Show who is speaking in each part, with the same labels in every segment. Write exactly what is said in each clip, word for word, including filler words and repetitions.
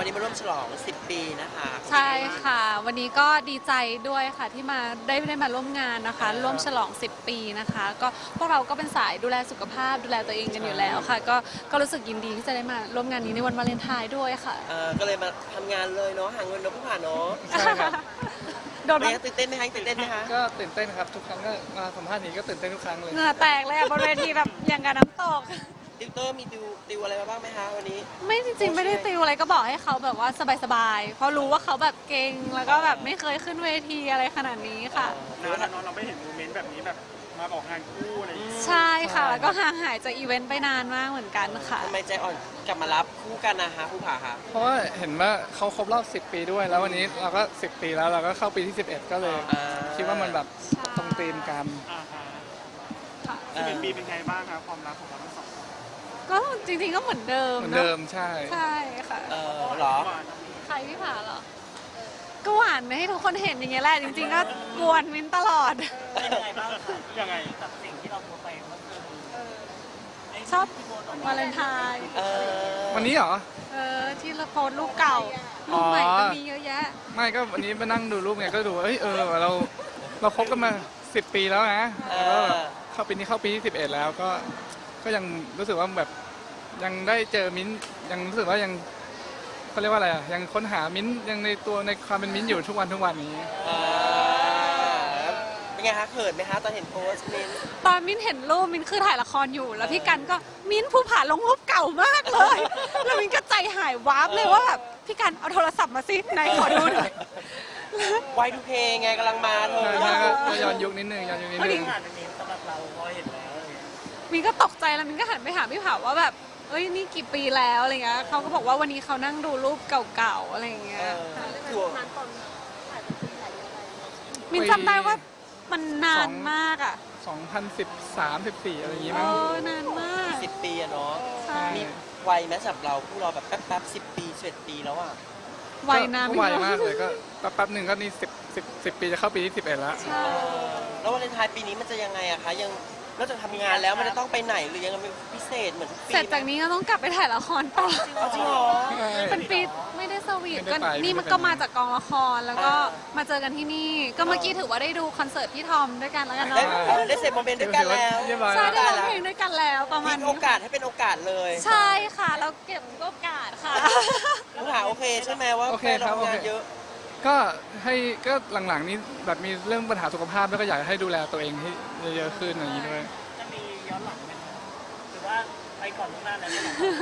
Speaker 1: วันนี้มาร่วมฉลองสิบปีนะคะ
Speaker 2: ใช่ค่ะวันนี้ก็ดีใจด้วยค่ะที่มาได้ได้มาร่วมงานนะคะร่วมฉลองสิบปีนะคะก็พวกเราก็เป็นสายดูแลสุขภาพดูแลตัวเองกันอยู่แล้วค่ะก็ก็รู้สึกยินดีที่จะได้มาร่วมงานนี้ในวันวาเลนไทน์ด้วยค่ะ
Speaker 1: เออก็เลยมาทำงานเลยเนาะหาเงินเนาะผู้ผ่านเนาะ
Speaker 3: ใช่ครับ
Speaker 2: โดน
Speaker 1: เป็นไงตื่นเต้นไหมคะตื่นเต้นไหมคะ
Speaker 3: ก็ตื่นเต้นครับทุกครั้งก็มาสัมภาษณ์นี้ก็ตื่นเต้นทุกครั้งเลย
Speaker 2: เหงื่อแตกเลยอะบนเวทีแบบอย่างกับน้ำตก
Speaker 1: ติวเตอร์มีติวติวอะไรมาบ้างไหมคะวันนี้
Speaker 2: ไม่จริงๆไม่ได้ติวอะไรก็บอกให้เขาแบบว่าสบายๆเพราะรู้ว่าเขาแบบเก่งแล้วก็แบบไม่เคยขึ้นเวทีอะไรขนาดนี้ค่ะ
Speaker 4: นานแล้วเนาะเราไม่เห็นโมเมนต์แบบนี้แบบมาออกงานคู่อะไรอย่างเงี้ย
Speaker 2: ใช่ค่ะแล้วก็ห่างหายจากอีเวนต์ไปนานมากเหมือนกันค่ะ
Speaker 1: ทำไมใจอ่อนกลับมารับคู่กันนะคะผู้ผ่าคะ
Speaker 3: เพราะว่าเห็นว่าเขาครบรอบสิบปีด้วย แล้ววันนี้เราก็สิบปีแล้วเราก็เข้าปีที่สิบเอ็ดก็เลย
Speaker 1: อ่า
Speaker 3: คิดว่ามันแบบตรงธีมกัน
Speaker 4: อ่าฮะ
Speaker 2: ค่ะ
Speaker 4: สิบเอ็ดปีเป็นไงบ้างครับความรักของเราทั้งสอง
Speaker 2: ก็จริงๆก็เหมือนเดิม
Speaker 3: เหมือน
Speaker 2: เนอะ
Speaker 3: เดิมใช่
Speaker 2: ใช่ค่ะ
Speaker 1: เออเหรอ
Speaker 4: หวาน
Speaker 2: ใครพี่ผาเหรอก็หวานให้ทุกคนเห็นอย่างเงี้ยแหละจริงๆก็กวนมินตลอด
Speaker 5: เป็นยังไงบ้างคะ
Speaker 4: ยังไง
Speaker 5: กับสิ่งที่เราโพสต์ไปเมื่อคืน
Speaker 2: ชอบวาเลนไทน์
Speaker 1: เออ
Speaker 3: วันนี้เหรอ
Speaker 2: เออที่เราโพสต์รูปเก่ารูปใหม่ก็มีเยอะแยะ
Speaker 3: ไม่ก็วันนี้มานั่งดูรูปไงก็ดูเอ้ยเออเราเราคบกันมาสิบปีแล้วนะแล้วก็แบบเข้าปีนี้เข้าปีที่สิบเอ็ดแล้วก็ก็ยังรู้สึกว่าแบบยังได้เจอมิ้นท์ยังรู้สึกว่ายังเขาเรียกว่าอะไรอ่ะยังค้นหามิ้นท์ยังในตัวในความเป็นมิ้นท์อยู่ทุกวันทุกวันนี้
Speaker 1: เออเป็นไงคะเขินไหมคะตอนเห็นโพสต์มิน
Speaker 2: ตอนมิ้นเห็นรูปมิ้นคือถ่ายละครอยู่ แล้วพี่กันก็มิ้นผู้ผ่าลงรูปเก่ามากเลย แล้วมิ้นก็ใจหายวาบเลยว่าแบบพี่กันเอาโทรศัพท์มาสิไหนขอดูหน่อย
Speaker 1: ไวทูเพย์ไงกำลังมาเธอ
Speaker 3: ใช่ก็ก็ย้อนยุคนิดนึงย้อนยุคนิดนึง
Speaker 5: ผ่านเป็นนี้สำหรับเราพอเห็นแล้วอะไรเงี้ย
Speaker 2: มิ้นก็ตกใจแล้วมิ้นก็หันไปหาพี่ผาว่าแบบเอ้ยนี่กี่ปีแล้วอะไรเงี้ยเขาก็บอกว่าวันนี้เขานั่งดูรูปเก่าๆอะไรเงี้
Speaker 1: เอย อถือว่า
Speaker 2: มิ้นจำได้ว่ามันนานมากอ่ะ
Speaker 3: สองพันสิบสาม สิบสี่อะไรอย่างงี้
Speaker 2: เอ
Speaker 3: มั้ง
Speaker 2: อนานมาก
Speaker 1: สิบปีอะเนาะ
Speaker 2: ใช่
Speaker 1: มีไวไหมสำหรับเราคู่เราแบบแป๊บๆสิบปีสิบเอ็ดปีแล้วอ่ะ
Speaker 2: ไวนะ
Speaker 3: ก็
Speaker 2: พี่
Speaker 3: ไว
Speaker 2: น้อง
Speaker 3: มากเลยก็แป๊บๆหนึ่งก็นี่สิบสิบสิบปีจะเข้าปีที่สิบเอ็ดแล้ว
Speaker 2: ใช่
Speaker 1: เออแล้ววาเลนไทน์ปีนี้มันจะยังไงอะคะยังนอกจากทำงานแล้วมันจะต้องไปไหนหรือยังเป็นพิเศษเหมือนทุกปี
Speaker 2: เสร็จจากนี้ก็ต้องกลับไปถ่ายละครต่อ
Speaker 1: เอาจริงเหรอ
Speaker 2: เป็นปีไม่ได้สวีท
Speaker 3: ไม่
Speaker 2: ก็
Speaker 3: ได้ไป
Speaker 2: นี่มัน
Speaker 3: ไม่ได้ไป
Speaker 2: ก็มาจากกองละครแล้วก็
Speaker 1: อ่า
Speaker 2: มาเจอกันที่นี่ ก็เมื่อกี้ถือว่าได้ดูคอนเสิร์ตพี่ทอมด้วยกันแล้วกัน
Speaker 1: ได้
Speaker 2: เนาะ
Speaker 1: เออได้เสร็จโมเมนต์ด้วยกันแล้ว
Speaker 3: เรียบร้อย
Speaker 2: ใช่
Speaker 3: แล้ว
Speaker 2: ได้ร้องเพลงด้วยกันแล้วประมาณ
Speaker 1: มี
Speaker 2: นี้
Speaker 1: โอกาสให้เป็นโอกาสเลย
Speaker 2: ใช่ค่ะเราเก็บโอกาสค่ะ
Speaker 1: ผู้หาโอเคใช่ไหมว่า
Speaker 3: โอเค
Speaker 1: แฟนเรา
Speaker 3: ครับ
Speaker 1: ทำงาน
Speaker 3: โอเค
Speaker 1: เยอะ
Speaker 3: ก็ให้ก็หลังๆนี้แบบมีเรื่องปัญหาสุขภาพแล้วก็อยากให้ดูแลตัวเองให้เยอะๆขึ้นอย่างนี้ด้วย
Speaker 5: จะมีย้อนหลังไหมคะหรือว่าไปก่อนล่วงหน้าแล้ว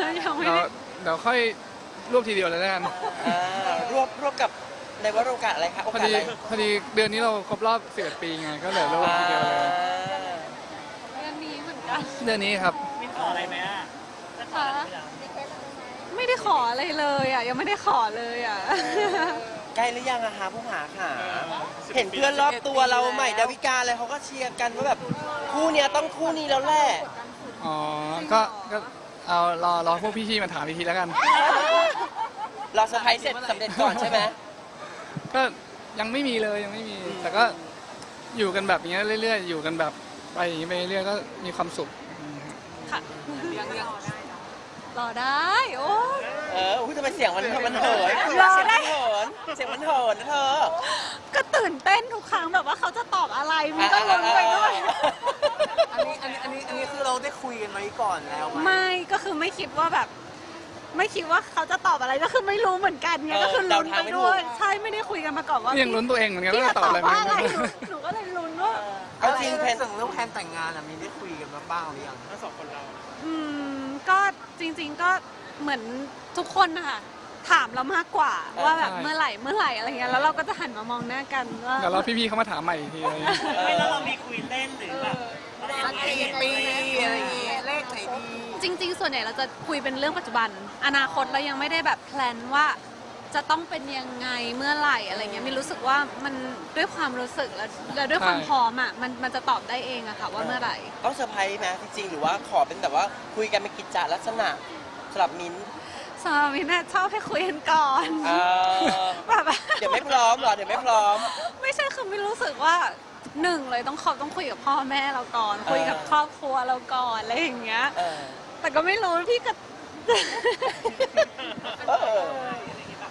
Speaker 2: ยังไม่
Speaker 3: เดี๋ยว
Speaker 2: ได้
Speaker 3: เดี๋ยวค่อยรวบทีเดียวเลยแล้วกัน
Speaker 1: อ่ารวบรวบกับในว่าโอกาสอะไรคะโอ
Speaker 3: พอก
Speaker 1: าส
Speaker 3: ดี
Speaker 1: อะไร
Speaker 3: พอดีเดือนนี้เราครบรอบสิบเอ็ดปีไงก็เหลือรวบทีเดียวเลย
Speaker 1: อ่า
Speaker 2: เรื่องนี้เหมือนกัน
Speaker 3: เดือนนี้ครับ
Speaker 5: มีขออะไรไหมอ่ะจะขออะไรไหมล่ะ
Speaker 2: ไม่ได้ขออะไรเลยอ่ะยังไม่ได้ขอเลยอ่ะ
Speaker 1: ใกล้หรือยังอะคะผู้หาค่ะ เห็นเพื่อนรอบตัวเราใหม่ดาวิกาอะไรเขาก็เชียร์กันว่าแบบคู่เนี้ยต้องคู่นี้แล้วแหละ
Speaker 3: อ๋อก็ก็เอารอรอพวกพี่ๆมาถามอีกทีแล้วกัน
Speaker 1: เราเซอร์ไพรส์เสร็จสำเร็จก่อนใช่ไหม
Speaker 3: ก็ยังไม่มีเลยยังไม่มี แต่ก็อยู่กันแบบนี้เรื่อยๆ อยู่กันแบบไปอย่างนี้ไปเรื่อยๆก็มีความสุขอืม
Speaker 2: ค่ะรอได้โอ้
Speaker 1: เอออุ้ยทำไมเสียงมันมันเหิน
Speaker 2: รอ
Speaker 1: เสียง
Speaker 2: ได้
Speaker 1: มันเหินเสียงมันเหินนะเธอ
Speaker 2: ก็ตื่นเต้นทุกครั้งแบบว่าเขาจะตอบอะไรมันก็ลุ้นไปด้วย
Speaker 5: อันนี้อันนี้อันนี้อันนี้คือเราได้คุยกันไว้ก่อนแล้วไหม
Speaker 2: ไม่ก็คือไม่คิดว่าแบบ ไม่คิดว่าเขาจะตอบอะไรก็คือไม่รู้เหมือนกันไง
Speaker 1: เออ
Speaker 2: ก็คือลุ้น
Speaker 1: เดาทาง
Speaker 2: ไป
Speaker 1: ไม่ถูก
Speaker 2: ด้วยใช่ไม่ได้คุยกันมาก่อนว่า
Speaker 3: นี่ยังลุ้นตัวเองเหมือนกัน
Speaker 2: พี่
Speaker 3: ว่า
Speaker 2: จะ
Speaker 3: จะต
Speaker 2: ต
Speaker 3: อ
Speaker 2: อ
Speaker 3: บบ อะไร
Speaker 2: ว่าอะไร
Speaker 3: ไม่
Speaker 2: หนู
Speaker 3: รู้
Speaker 2: หนูก็เลยลุ้นว่า
Speaker 1: เอาจริงแพน
Speaker 5: ส่งเรื่องแผนแต่งงานอ่ะมีได้คุยกันมาบ้างหรือยัง
Speaker 4: ทั้งสองคนเรา
Speaker 2: อืมก็จริง ๆก็เหมือนทุกคนนะคะถามเรามากกว่าว่าแบบเมื่อไหร่เมื่อไหร่อะไรเงี้ยแล้วเราก็จะหันมามองหน้ากันว่า
Speaker 3: เดี๋ยวรอพี่ๆเขามาถามใหม่อีกทีอะไรอย่างเงี้ย
Speaker 5: ไม่แล้วเรามีคุยเล่นหรือแบบมันกี่ปีอะไรอย่างเงี้ยเลขไหนดี
Speaker 2: จริง ๆ ส่วนใหญ่เราจะคุยเป็นเรื่องปัจจุบัน อนาคตเรายังไม่ได้แบบแพลนว่าจะต้องเป็นยังไงเมื่อไหร่อะไรเงี้ยมีรู้สึกว่ามันด้วยความรู้สึกแล้วแล้วด้วยความพร้อมอ่ะมันมันจะตอบได้เองอะค่ะว่าเมื่อไหร่
Speaker 1: ต้องเซอร์ไพรส์ไหมจริงๆหรือว่าขอเป็นแบบว่าคุยกันเป็นกิจจลักษณะสำหรับมิ้นท์
Speaker 2: สำหรับมินท์ชอบให้คุยกันก่อน
Speaker 1: เออ
Speaker 2: แบบ
Speaker 1: เดี๋ยวไม่พร้อมเหรอเดี๋ยวไม่พร้อม
Speaker 2: ไม่ใช่คือมินรู้สึกว่าหนึ่งเลยต้องขอบต้องคุยกับพ่อแม่เราก่อน
Speaker 1: เออ
Speaker 2: คุยกับครอบครัวเราก่อนอะไรอย่างเงี้ย
Speaker 1: เออ
Speaker 2: แต่ก็ไม่รู้พี่ก็
Speaker 1: เออ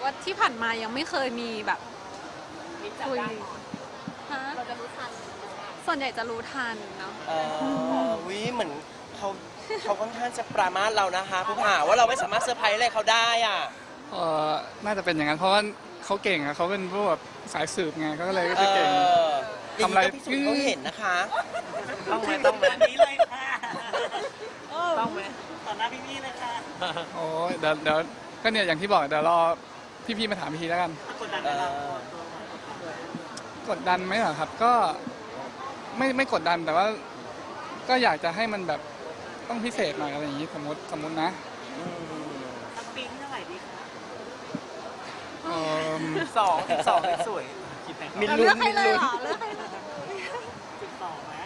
Speaker 2: ว่าที่ผ่านมายังไม่เคยมีแบบคุยฮะส่วนใหญ่จะรู้ทันเนาะ
Speaker 1: เออวิเหมือนเขาเขาค่อนข้างจะปรามาสเรานะคะผู้ผ่าว่าเราไม่สามารถเซอร์ไพรส์อะไรเขาได้อ่ะ
Speaker 3: เออน่าจะเป็นอย่างนั้นเพราะว่าเขาเก่งอะเขาเป็นพวกแบบสายสืบไงเขาก็เลยก็
Speaker 1: เอ
Speaker 3: จะเก่ง
Speaker 1: อ
Speaker 3: ทำอะไร
Speaker 1: ย่างนี้ก็พิสูจน์เขาเห็นนะคะ
Speaker 5: ต้องไหมต้องแบบนี้เลยค่ะต้องไหมต่อหน้าพี่ๆเลยค่ะ
Speaker 3: โอ้ยเดี๋ยวเดี๋ยวก็เนี่ยอย่างที่บอกเดี๋ยวรอพี่ๆมาถามพี่แล้วกัน
Speaker 5: กดดัน
Speaker 1: เอ
Speaker 5: ไหมเรา
Speaker 1: อก
Speaker 3: ดดันไหมเหรอครับ ก็ไม่ไม่กดดันแต่ว่าก็อยากจะให้มันแบบต้องพิเศษหน่อยอะไรอย่างนี้สมมติสมมตินะ
Speaker 1: อืม
Speaker 5: สปริงเท่าไหร่ดีคะ
Speaker 3: เอิ่ม
Speaker 1: สองสิบสองสวยมิน
Speaker 2: เรา
Speaker 1: ลุ้
Speaker 2: เลือน กให้
Speaker 1: มิน
Speaker 2: เลย
Speaker 1: ลุ้น
Speaker 2: เหรอเลือกให้เลย
Speaker 5: สิบสองไหม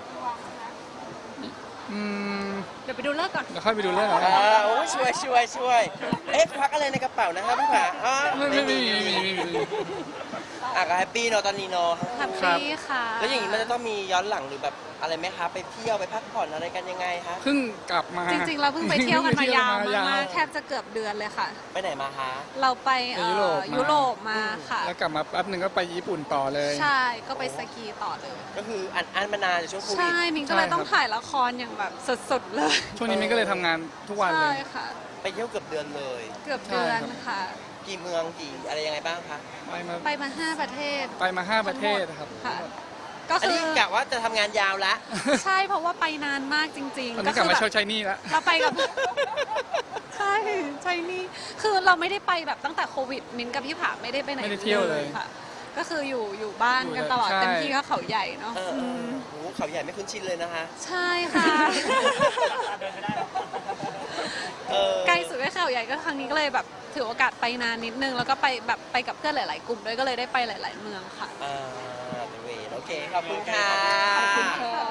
Speaker 3: อืม
Speaker 2: เดี๋ยวไปดูเลิกก่อน
Speaker 3: เดี๋ยวค่อยไปดูเรื่องกัน
Speaker 1: อ่าโอ้ยช่วยช่วยช่วยเอ๊ะควักอะไรในกระเป๋านะคะผู้ผ่าอ๋อ
Speaker 3: ไม่ไม่ไม่ไม่ไม่ไม่ไม่
Speaker 1: อ่ะก็แฮปปี้เนาะตอนนี้เนาะ
Speaker 2: แฮปปี้ค่ะ
Speaker 1: แล้วอย่างนี้มันจะต้องมีย้อนหลังหรือแบบอะไรไหมคะไปเที่ยวไปพักผ่อนอะไรกันยังไงคะ
Speaker 3: เพิ่งกลับมา
Speaker 2: จริงๆเราเพิ่งไปเที่ยวกันมายาว
Speaker 3: เที่ยว
Speaker 2: มากๆแทบจะเกือบเดือนเลยค่ะ
Speaker 1: ไปไหนมาคะ
Speaker 2: เราไปเอ่อ
Speaker 3: ไปยุโรปมายุ
Speaker 2: ยุโรปมาค่ะ
Speaker 3: แล้วกลับมาแป๊บหนึ่งก็ไปญี่ปุ่นต่อเลย
Speaker 2: ใช่ก็ไปสกีต่อเลย
Speaker 1: ก็คืออันอันมานานในช่วงโควิด
Speaker 2: ใช่มินก็เลยต้องถ่ายละครอย่างแบบสุดๆเลย
Speaker 3: ช่วงนี้มิ้นก็เลยทำงานทุกวันเล
Speaker 2: ใช่
Speaker 3: ย
Speaker 2: ค่ะ
Speaker 1: ไปเที่ยวเกือบเดือนเลย
Speaker 2: เกือบเดือนค่ะ
Speaker 1: กี่เมืองกี่อะไรยังไงบ้างคะ
Speaker 3: ไปมา
Speaker 2: ไปมาห้าประเทศ
Speaker 3: ไปมาห้าประเทศครับ
Speaker 2: ค่ะ ก็
Speaker 1: อัน
Speaker 2: คือ
Speaker 1: นี้กะว่าจะทำงานยาวละ
Speaker 2: ใช่เพราะว่าไปนานมากจริง
Speaker 3: ตอน
Speaker 2: ๆ ก็
Speaker 3: นี้กลับ
Speaker 2: คื
Speaker 3: มา
Speaker 2: แบบ
Speaker 3: เช่าใช้หนี่แล้ว
Speaker 2: เราไปกับ ใช่ใช่นี่คือเราไม่ได้ไปแบบตั้งแต่โควิดมินกับพี่ผาไม่ได้ไปไหน
Speaker 3: ไม่ได้เที่ยวเลย
Speaker 2: ค่ะ ก็คืออยู่อยู่บ้านกันตลอด
Speaker 3: ใช่
Speaker 2: เต็มที่ก็เขาใหญ่เนาะ
Speaker 1: เออเออโอ้โหเขาใหญ่ไม่คุ้นชินเลยนะคะ
Speaker 2: ใช่ค่ะ
Speaker 5: เดินไม่ได้หรอก
Speaker 1: เออ
Speaker 2: ใกล้สุดก็เขาใหญ่ก็ครั้งนี้ก็เลยแบบถือโอกาสไปนานนิดนึง แล้วก็ไปแบบไปกับเพื่อนหลาย ๆ กลุ่มด้วยก็เลยได้ไปหลาย ๆ เมืองค่ะ
Speaker 1: อ่าเดเวโอเค ขอบคุณค่ะ
Speaker 2: ขอบคุณค่ะ